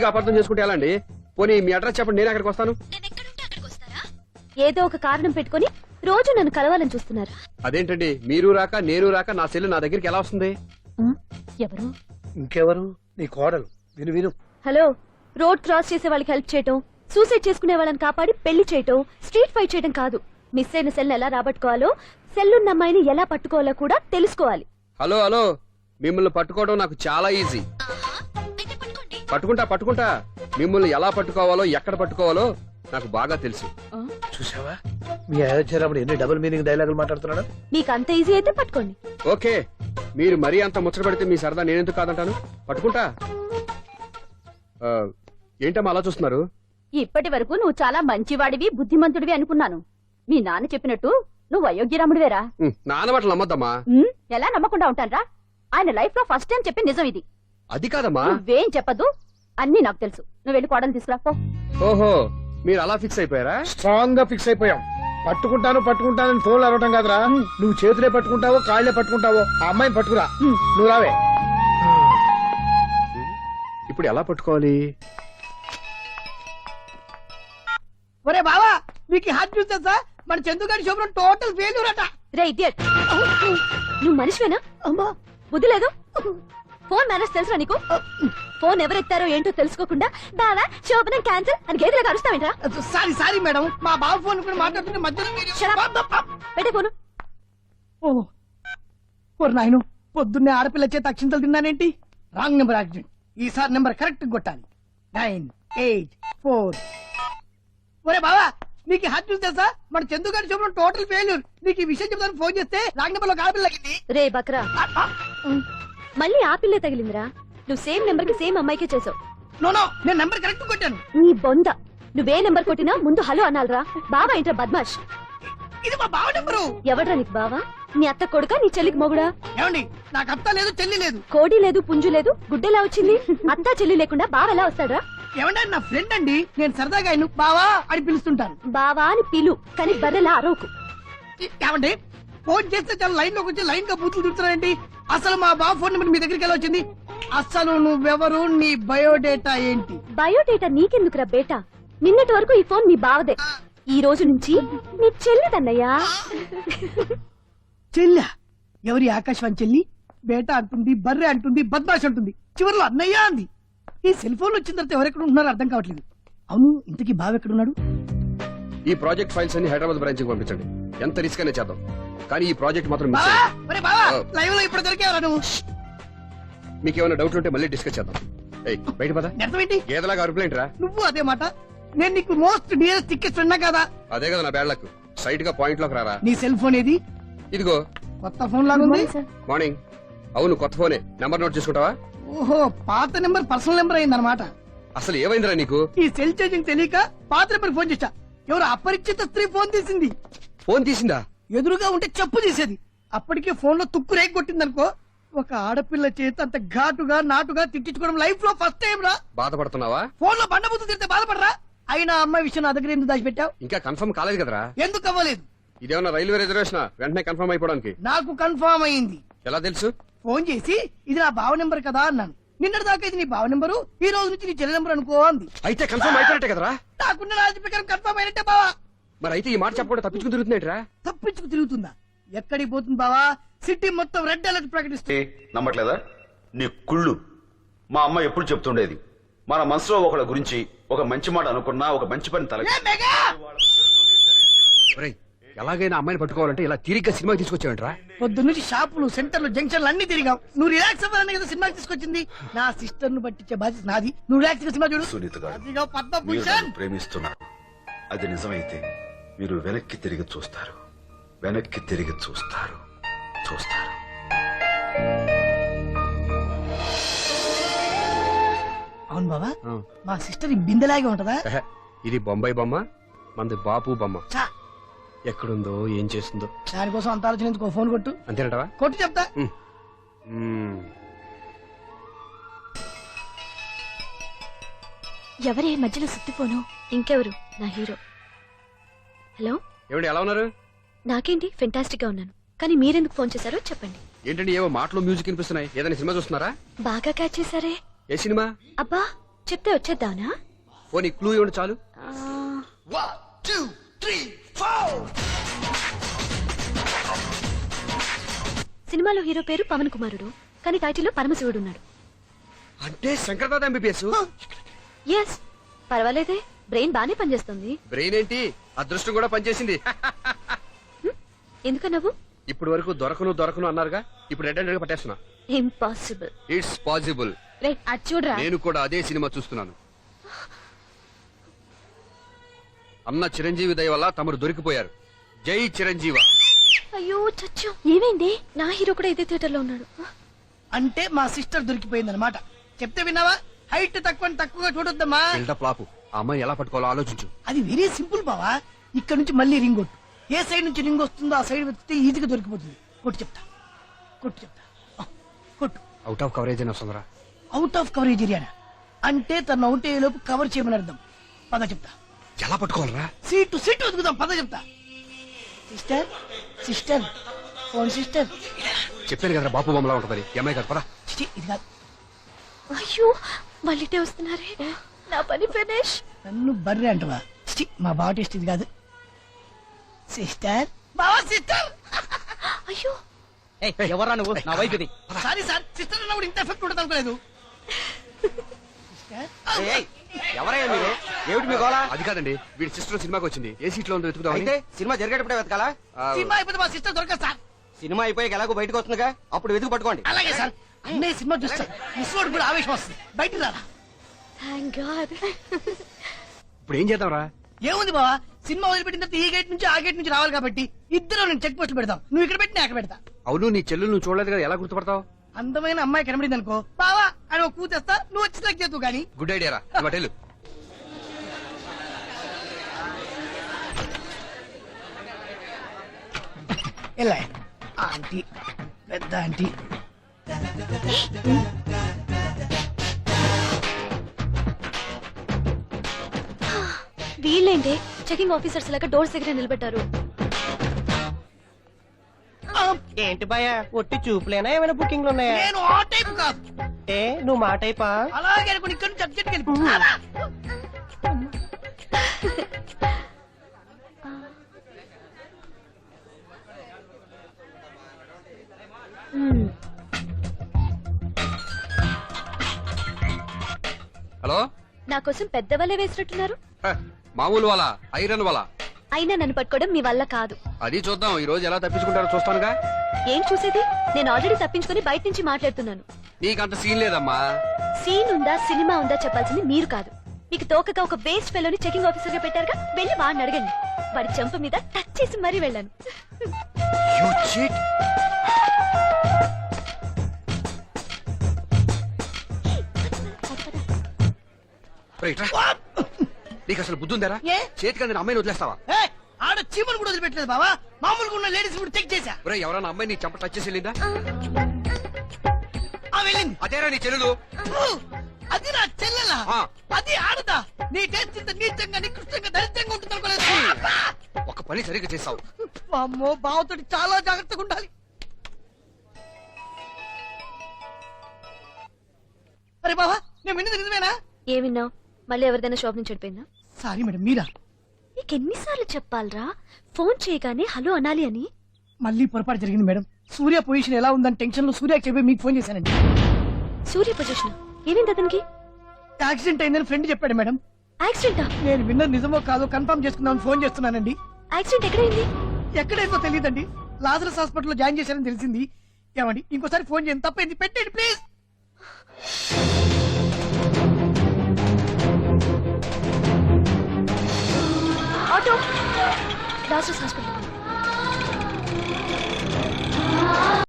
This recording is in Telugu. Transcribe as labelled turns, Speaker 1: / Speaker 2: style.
Speaker 1: అపార్థం చేసుకుంటే ఎలా అండి? పోనీ మీ అడ్రస్ చెప్పండి, నేను అక్కడికి వస్తాను.
Speaker 2: ఏదో ఒక కారణం పెట్టుకుని రోజు నన్ను కలవాలని చూస్తున్నారు.
Speaker 1: అదేంటండి, మీరు రాక నేను రాక నా సెల్ నా దగ్గరికి ఎలా వస్తుంది?
Speaker 2: ఎవరు?
Speaker 3: ఇంకెవరు? నీ కోడలు. విను విను.
Speaker 2: హలో, రోడ్ క్రాస్ చేసే వాళ్ళకి హెల్ప్ చేయటం, సూసైడ్ చేసుకునే వాళ్ళని కాపాడి పెళ్లి చేయటం, స్ట్రీట్ ఫైట్ చేయడం కాదు. మిస్ అయిన సెల్ ఎలా రాబట్టుకోవాలో, సెల్లున్న అమ్మాయిని ఎలా పట్టుకోవాలో కూడా తెలుసుకోవాలి.
Speaker 1: హలో హలో, మిమ్మల్ని పట్టుకోవడం నాకు చాలా ఈజీ. పట్టుకుంటా. మిమ్మల్ని ఎలా పట్టుకోవాలో, ఎక్కడ పట్టుకోవాలో నాకు బాగా తెలుసు.
Speaker 3: చూసావా, మీ అయోధ్యరాముడు ఎన్ని డబుల్ మీనింగ్ డైలాగులు మాట్లాడుతున్నాడు.
Speaker 2: మీకు అంత ఈజీ అయితే పట్టుకోండి.
Speaker 1: ఓకే, మీరు మరీ అంత ముచ్చట పెడితే మీ సరదా నేనెందుకు కాదంటాను. పట్టుకుంటా. ఏంటమ్మా అలా చూస్తున్నారు?
Speaker 2: ఇప్పటి వరకు నువ్వు చాలా మంచివాడివి, బుద్ధిమంతుడివి అనుకున్నాను. మీ నాన్న చెప్పినట్టు నువ్వు అయోగ్యరాముడివేరా?
Speaker 1: నాన్న మాటలు నమ్మద్దమ్మా.
Speaker 2: ఎలా నమ్మకుండా ఉంటానరా? ఆయన లైఫ్ లో ఫస్ట్ టైం చెప్పి నిజం ఇది.
Speaker 1: అది కాదమ్మా.
Speaker 2: నువ్వేం చెప్పదు, అన్ని నాకు తెలుసు. నువ్వు వెళ్ళి కోడలు తీసుకురా పో.
Speaker 1: ఓహో, మీరు అలా ఫిక్స్ అయిపోయారా?
Speaker 3: స్ట్రాంగ్ గా ఫిక్స్ అయిపోయాం. పట్టుకుంటానని ఫోన్లు అరవటం కాదురా. నువ్వు చేతులే పట్టుకుంటావో కాళ్లే పట్టుకుంటావో ఆ అమ్మాయిని పట్టుకురా. నువ్వు రావే.
Speaker 1: ఇప్పుడు ఎలా పట్టుకోవాలి?
Speaker 4: ఒరే బావా, మీకు హాట్ చూస్తా సార్, మన చందుగారి శుభ్రం టోటల్ ఫెయిల్యూర్ అట.
Speaker 2: రే ఇడియట్, నువ్వు మనిషివేనా?
Speaker 4: అమ్మా,
Speaker 2: బుద్ధి లేదు. ఫోన్ మేనేజ్ తెలుసా నీకు? ఫోన్ ఎవరెత్తారో ఏంటో తెలుసుకోకుండా బావా శోభనం క్యాన్సిల్ అని గేదెలకు అరుస్తావేంట్రా?
Speaker 4: సారీ మేడం, మా బావ ఫోన్ కూడా మాట్లాడుతుంటే మధ్యలో
Speaker 2: పెట్టే ఫోను.
Speaker 4: ఓ నాయను, పొద్దున్నే ఆడపిల్ల చేత అక్షింతలు తిన్నానేంటి? Wrong number accident. ఈసారి నెంబర్ కరెక్ట్ కొట్టాలి. 984. ఒరే బావా, నీకు హాట్ న్యూస్ తెలుసా? మన చందుగారి శుభ్రం టోటల్ ఫెయిల్యూర్. నీకు ఈ విషయం చెప్తాను ఫోన్ చేస్తే రాంగ్ నెంబర్ లో ఆడపిల్ల తగ్గింది.
Speaker 2: రే బక్రా, మళ్ళీ ఆ పిల్లే తగిలిందిరా. నువ్వు సేమ్ నెంబర్ కి సేమ్ అమ్మాయికే చేసావు.
Speaker 4: నో, నేను నెంబర్ కరెక్ట్ కొట్టాను.
Speaker 2: నీ బొంద, నువ్వే నెంబర్ కొట్టినా ముందు హలో అనాలరా. బావా ఏంట్రా బద్మాష్?
Speaker 4: ఇది మా బావ నెంబరు.
Speaker 2: ఎవడ్రా నీకు బావా? నీ అత్త కొడుకా, నీ చెల్లికి మొగుడా?
Speaker 4: ఏమండి, నాకు అత్త లేదు, చెల్లి లేదు.
Speaker 2: కోడి లేదు, పుంజు లేదు, గుడ్డెలా వచ్చింది? అత్తా చెల్లి లేకుండా బావ ఎలా వస్తాడ్రా?
Speaker 4: ఏమంటే నా ఫ్రెండ్ అండి, నేను సరదాగా ఆయన బావా అని పిలుస్తుంటాను.
Speaker 2: బావా అని పిలు, కానీ బర్రెలా అరవకు.
Speaker 4: ఏమంటే ఫోన్ చేస్తే చాలా లైన్ లోకి వచ్చి లైన్ గా బూతులు తిడుతున్నానండి. అసలు మా బావ ఫోన్ నెంబర్ మీ దగ్గరికి ఎలా వచ్చింది? అసలు నువ్వెవరు, నీ బయోడేటా ఏంటి?
Speaker 2: బయోడేటా నీకెందుకురా బేటా? నిన్నటి వరకు ఈ ఫోన్ నీ బావదే, ఈ రోజు నుంచి నీ చెల్లిదన్నయ్యా.
Speaker 4: చెల్లి? ఎవరి ఆకాశవాణి చెల్లి? బేటా అంటుంది, బర్రె అంటుంది, బద్మాష్ అంటుంది, చివరిలో అన్నయ్య అంది. ఈ సెల్ ఫోన్ వచ్చిన తర్వాత ఎవరెక్కడ ఉంటున్నారో అర్థం కావట్లేదు. అవును, ఇంతకీ బావ ఎక్కడున్నాడు?
Speaker 1: ఈ ప్రాజెక్ట్ ఫైల్స్ అన్ని హైదరాబాద్ బ్రాంచ్ కి పంపించండి. ఎంత రిస్క్ అనే చేద్దాం, కానీ ఈ ప్రాజెక్ట్ మాత్రం మిస్ అయ్యింది.
Speaker 4: లైవ్ లో ఇప్పుడు దొరికేవరా నువ్వు?
Speaker 1: మీకేమైనా డౌట్లు ఉంటే మళ్ళీ డిస్కస్ చేద్దాం. బయట పద.
Speaker 4: అర్థమేంటి?
Speaker 1: ఏదలాగా అరుపులేంటి రా?
Speaker 4: నువ్వు అదే మాట. నేను నీకు మోస్ట్ డియరెస్ట్ టికెట్స్ ఉన్నా కదా.
Speaker 1: అదే కదా నా బ్యాడ్ లక్. సైట్ గా పాయింట్ లోకి రారా.
Speaker 4: నీ సెల్ ఫోన్ ఏది?
Speaker 1: ఇదిగో.
Speaker 4: కొత్త ఫోన్ లాగా ఉంది.
Speaker 1: మార్నింగ్. అవును, కొత్త ఫోనే. నెంబర్ నోట్ చేసుకుంటావా?
Speaker 4: ఓహో, పాత నెంబర్ పర్సనల్ నెంబర్ అయిందన్నమాట.
Speaker 1: అసలు ఏమైందిరా నీకు?
Speaker 4: ఈ సెల్ ఛార్జింగ్ తెలియక పాత నెంబర్ ఫోన్ చేశా. ఎవరు అపరిచిత స్త్రీ ఫోన్ తీసింది.
Speaker 1: ఫోన్ తీసిందా?
Speaker 4: ఎదురుగా ఉంటే చెప్పు తీసేది. అప్పటికే ఫోన్ లో తుక్కు రేగి కొట్టిందనుకో. ఒక ఆడపిల్ల చేత అంత ఘాటుగా నాటుగా తిట్టించుకోవడం లైఫ్ లో ఫస్ట్ టైం రా.
Speaker 1: బాధపడుతున్నావా?
Speaker 4: ఫోన్ లో బండబుద్ధి తిడితే బాధపడరా? అయినా అమ్మాయి విషయం నా దగ్గర ఎందుకు దాచిపెట్టావు?
Speaker 1: ఇంకా కన్ఫర్మ్ కాలేదు కదరా.
Speaker 4: ఎందుకు అవ్వలేదు?
Speaker 1: ఇదేమన్నా రైల్వే రిజర్వేషన్? వెంటనే కన్ఫర్మ్ అయిపోవడానికి.
Speaker 4: నాకు కన్ఫర్మ్ అయింది.
Speaker 1: ఎలా తెలుసు?
Speaker 4: ఫోన్ చేసి ఇది నా బావ నెంబర్ కదా అన్నాను. నిన్నటి దాకా ఇది నీ బావ నెంబరు, ఈ రోజు నుంచి నీ చెల్లి నెంబర్ అనుకో అంది.
Speaker 1: అయితే కన్ఫర్మ్ అయిపోయినట్టే కదరా?
Speaker 4: నాకున్న రాజు ప్రకారం కన్ఫర్మ్ అయినట్టే బావా.
Speaker 1: మరి అయితే ఈ మాట చెప్పకుండా తప్పించుకుని తిరుగుతున్నట్రా?
Speaker 4: తప్పించుకు తిరుగుతుందా? ఎక్కడికి పోతుంది బావా? సిటీ మొత్తం రెడ్ అలర్ట్ ప్రకటిస్తుంది.
Speaker 5: నమ్మట్లేదా? నీ కుళ్ళు. మా అమ్మ ఎప్పుడు చెప్తుండేది, మన మనసులో ఒకళ్ళ గురించి ఒక మంచి మాట అనుకున్నా ఒక మంచి పని తల.
Speaker 1: ఎలాగైనా అమ్మాయిని పట్టుకోవాలంటే ఇలా తిరిగ్గా సినిమాకి తీసుకొచ్చావంట్రా?
Speaker 4: పొద్దు నుంచి షాపులు, సెంటర్లు, జంక్షన్లు అన్ని తిరిగావు. నువ్వు రిలాక్స్ అవ్వాలని కదా సినిమాకి తీసుకొచ్చింది. నా సిస్టర్ ను పట్టించే బాధ్యత నాది. నువ్వు రిలాక్స్ గా సినిమా చూడు.
Speaker 5: సునీత గారు,
Speaker 4: అదిగో పద్మభూషణ్.
Speaker 5: మీరు నన్ను ప్రేమిస్తున్నారు. అది నిజమైతే మీరు వెనక్కి తిరిగి చూస్తారు, వెనక్కి తిరిగి చూస్తారు.
Speaker 4: అవును బాబా, మా సిస్టర్ ఈ బిందెలాగే ఉంటదా?
Speaker 1: ఇది బొంబాయి బొమ్మ, మంది బాపు బొమ్మ. ఎక్కడుందో ఏం చేస్తుందో
Speaker 4: దానికోసం అంత ఆలోచన ఎందుకు? ఫోన్ కొట్టు.
Speaker 1: అంతేనటవా?
Speaker 4: కొట్టు చెప్తా.
Speaker 2: ఎవరే మధ్యలో సుత్తి ఫోను? ఇంకెవరు? నా హీరో. హలో,
Speaker 1: ఏమండి ఎలా ఉన్నారు?
Speaker 2: నాకేంటి, ఫెంటాస్టిక్ గా ఉన్నాను. కానీ మీరెందుకు ఫోన్ చేశారో చెప్పండి.
Speaker 1: ఏంటండి ఏవో మాటలు మ్యూజిక్ వినిపిస్తున్నాయి? ఏదైనా సినిమా చూస్తున్నారా?
Speaker 2: బాగా క్యాచ్ చేశారే.
Speaker 1: ఏ సినిమా?
Speaker 2: అబ్బా, చెప్తే వచ్చేద్దానా
Speaker 1: పోనీ క్లూ ఇవ్వండి చాలు.
Speaker 2: సినిమాలో హీరో పేరు పవన్ కుమారుడు, కానీ టైటిల్లో పరమశివుడు ఉన్నాడు.
Speaker 1: అంటే శంకర్దాద ఎంబీబీఎస్.
Speaker 2: ఎస్, పర్వాలేదే, బ్రెయిన్ బానే పనిచేస్తుంది.
Speaker 1: బ్రెయిన్ ఏంటి, అదృష్టం కూడా పనిచేసింది.
Speaker 2: ఎందుకన్నావు?
Speaker 1: ఇప్పటి వరకు దొరకను అన్నారుగా, ఇప్పుడు రెడ్ హ్యాండెడ్ గా పట్టేస్తున్నా.
Speaker 2: ఇంపాసిబుల్.
Speaker 1: It's possible.
Speaker 2: రే అది చూడరా.
Speaker 1: నేను కూడా అదే సినిమా చూస్తున్నాను. అన్న చిరంజీవి దయ వల్ల తమరు దొరికిపోయారు. జై చిరంజీవ.
Speaker 2: అయ్యో చచ్చు, ఏమైంది? నా హీరో కూడా ఇదే థియేటర్ లో ఉన్నాడు.
Speaker 4: అంటే మా సిస్టర్ దొరికిపోయింది అనమాట. చెప్తే విన్నావా? హైట్ తక్కువగా చూడొద్దమ్మా.
Speaker 1: బిల్డప్ లాపు. ఆ అమ్మాయి ఎలా పట్టుకోవాలో ఆలోచించు.
Speaker 4: అది వెరీ సింపుల్ బావా. ఇక్కడ నుంచి మళ్ళీ రింగ్ కొట్టు. ఏ సైడ్ నుంచి రింగ్ వస్తుందో ఆ సైడ్ వెతికితే ఈజీగా దొరికిపోతుంది. కొట్టు చెప్తా. ఆ, కొట్టు.
Speaker 1: అవుట్ ఆఫ్ కవరేజ్ అయినా వస్తుందిరా.
Speaker 4: అవుట్ ఆఫ్ కవరేజ్ ఏరియా అంటే తన అవుట్ అయ్యే లోపు కవర్ చేయమని అర్థం. పద చెప్తా.
Speaker 1: ఎలా పట్టుకోవాలరా?
Speaker 4: సీటు వెతుకుదాం. పద చెప్తా. Sister phone sister.
Speaker 1: చెప్పాను కదా బాపు బొమ్మలా ఉంటుందని. ఈ అమ్మాయి కాదు పరా.
Speaker 4: చిచి, ఇది కాదు.
Speaker 2: అయ్యో వాళ్ళిటే వస్తున్నారే, నా పని ఫినిష్.
Speaker 4: నన్ను బర్రె అంటవా? చిచి, మా బావ టేస్ట్ ఇది కాదు. సిస్టర్, బావా సిస్టర్.
Speaker 2: అయ్యో
Speaker 6: ఎవరా నువ్వు? నా వైఫ్ ఇది.
Speaker 4: సారీ సార్, సిస్టర్ అన్నప్పుడు ఇంత ఎఫెక్ట్ ఉంటుంది అనుకోలేదు. సిస్టర్,
Speaker 6: ఎవరయ్యా మీరు? ఏమిటి మీ గోళ?
Speaker 1: అది కాదండి, వీడి సిస్టర్ సినిమాకి వచ్చింది. ఏ సీట్ లో ఉందో వెతుకుదామని.
Speaker 6: అయితే సినిమా జరిగేటప్పుడే వెతకాలా?
Speaker 4: సినిమా అయిపోతే మా సిస్టర్ దొరకదు సార్.
Speaker 6: సినిమా అయిపోయాక ఎలాగో బయటకు వస్తుందిగా, అప్పుడు వెతుకు పట్టుకోండి.
Speaker 4: అలాగే సార్. అన్నయ్య సినిమా చూస్తాను. మిస్వాడు కూడా ఆవేశం వస్తుంది. బయటికి రారా.
Speaker 2: Thank God.
Speaker 1: ఇప్పుడు ఏం చేద్దాంరా?
Speaker 4: ఏముంది బావా, సినిమా వదిలిపెట్టిన తర్వాత ఈ గేట్ నుంచి ఆ గేట్ నుంచి రావాలి కాబట్టి ఇద్దరు నేను చెక్ పోస్ట్ పెడతాం. నువ్వు ఇక్కడ పెట్టి నేను అక్కడ పెడతా.
Speaker 1: అవును, నీ చెల్లెలు నువ్వు చూడలేదు కదా, ఎలా గుర్తుపడతావు?
Speaker 4: అందమైన అమ్మాయి కనబడింది అనుకో, బావా అని ఒక కూతేస్తా, నువ్వు వచ్చి సెలెక్ట్ చేద్దు కానీ.
Speaker 1: గుడ్ ఐడియా రా. హోటల్
Speaker 4: ఎలా ఆంటీ, పెద్ద ఆంటీ.
Speaker 2: వీళ్ళేంటి చెకింగ్ ఆఫీసర్స్ లాగా డోర్స్ దగ్గర నిలబెట్టారు.
Speaker 6: ఏంటి భయ, ఒట్టి చూపులేనా? ఏమైనా బుకింగ్లు ఉన్నాయా?
Speaker 4: నేను ఆ టైప్ కాదు.
Speaker 6: ఏ నువ్వు మా టైపా?
Speaker 4: అలాగే అనుకుని ఇక్కడ నుంచి అర్జెంట్కి వెళ్ళిపో.
Speaker 1: హలో.
Speaker 2: నా కోసం పెద్ద వలే వేసినట్టున్నారు.
Speaker 1: హ, మామూలు వాళ్ళ ఐరన్ వాళ్ళ.
Speaker 2: అయినా నన్ను పట్టుకోవడం మీ వల్ల కాదు.
Speaker 1: అది చూద్దాం, ఈ రోజు ఎలా తప్పించుకుంటారో చూస్తానుగా.
Speaker 2: ఏం చూసేది? నేను ఆల్రెడీ తప్పించుకుని బయట నుంచి మాట్లాడుతున్నాను.
Speaker 1: నీకంత సీన్ లేదమ్మా.
Speaker 2: సీన్ ఉందా సినిమా ఉందా చెప్పాల్సింది మీరు కాదు. మీకు తోకగా ఒక వేస్ట్ ఫెలోని చెకింగ్ ఆఫీసర్ గా పెట్టారుగా, వెళ్ళి వాడిని అడగండి. వాడి చెంప మీద టచ్ చేసి మరీ వెళ్ళాను.
Speaker 1: You cheat. రైట్ రా. నీకు అసలు బుద్ధి ఉందారా?
Speaker 4: ఏ?
Speaker 1: చేతికి అందిన అమ్మాయిని వదిలేస్తావా?
Speaker 4: ఏయ్, ఆడ చీమలు కూడా వదిలిపెట్టలేదు బావా. మామూలుగా ఉన్న లేడీస్ కూడా చెక్ చేశా.
Speaker 1: ఒరేయ్, ఎవరైనా అమ్మాయి నీ చంప టచ్ చేసి వెళ్ళిందా?
Speaker 4: ఆ వెళ్ళింది.
Speaker 1: అదేరా నీ చెల్లెలు.
Speaker 4: అది నా చెల్లెలా?
Speaker 1: ఆ.
Speaker 4: అది ఆడదా? నీ టేస్ట్ ఇంత నీచంగా నికృష్టంగా దరిద్రంగా ఉంటుంది అనుకోలేదు.
Speaker 1: ఒక పని సరిగ్గా చేసావు.
Speaker 4: అమ్మో, బావతోటి చాలా జాగ్రత్తగా ఉండాలి. అరే బావా, నేను విన్నది నిజమేనా?
Speaker 2: ఏమిన్నావు? మళ్ళీ ఎవరిదైనా షాప్ నుంచి చెడిపోయిందా?
Speaker 4: సారీ మేడం, మీరా?
Speaker 2: నీకెన్నిసార్లు చెప్పాలరా ఫోన్ చేయగానే హలో అనాలి అని?
Speaker 4: మళ్ళీ పొరపాటు జరిగింది మేడం. సూర్య పొజిషన్ ఎలా ఉందని టెన్షన్ లో సూర్యకి చెప్పి మీకు ఫోన్ చేశానండి.
Speaker 2: సూర్య పొజిషన్ ఏమైంది అతనికి?
Speaker 4: యాక్సిడెంట్ అయిందని ఫ్రెండ్ చెప్పాడు మేడం.
Speaker 2: యాక్సిడెంటా?
Speaker 4: నేను విన్నది నిజమో కాదో కన్ఫర్మ్ చేసుకుందామని ఫోన్ చేస్తున్నానండి.
Speaker 2: యాక్సిడెంట్ ఎక్కడైంది?
Speaker 4: ఎక్కడైందో తెలియదండి. లాజరస్ హాస్పిటల్లో జాయిన్ చేశారని తెలిసింది. ఏమండి, ఇంకోసారి ఫోన్ చేయండి. తప్పైంది, పెట్టండి ప్లీజ్.
Speaker 2: Auto Lazarus hospital.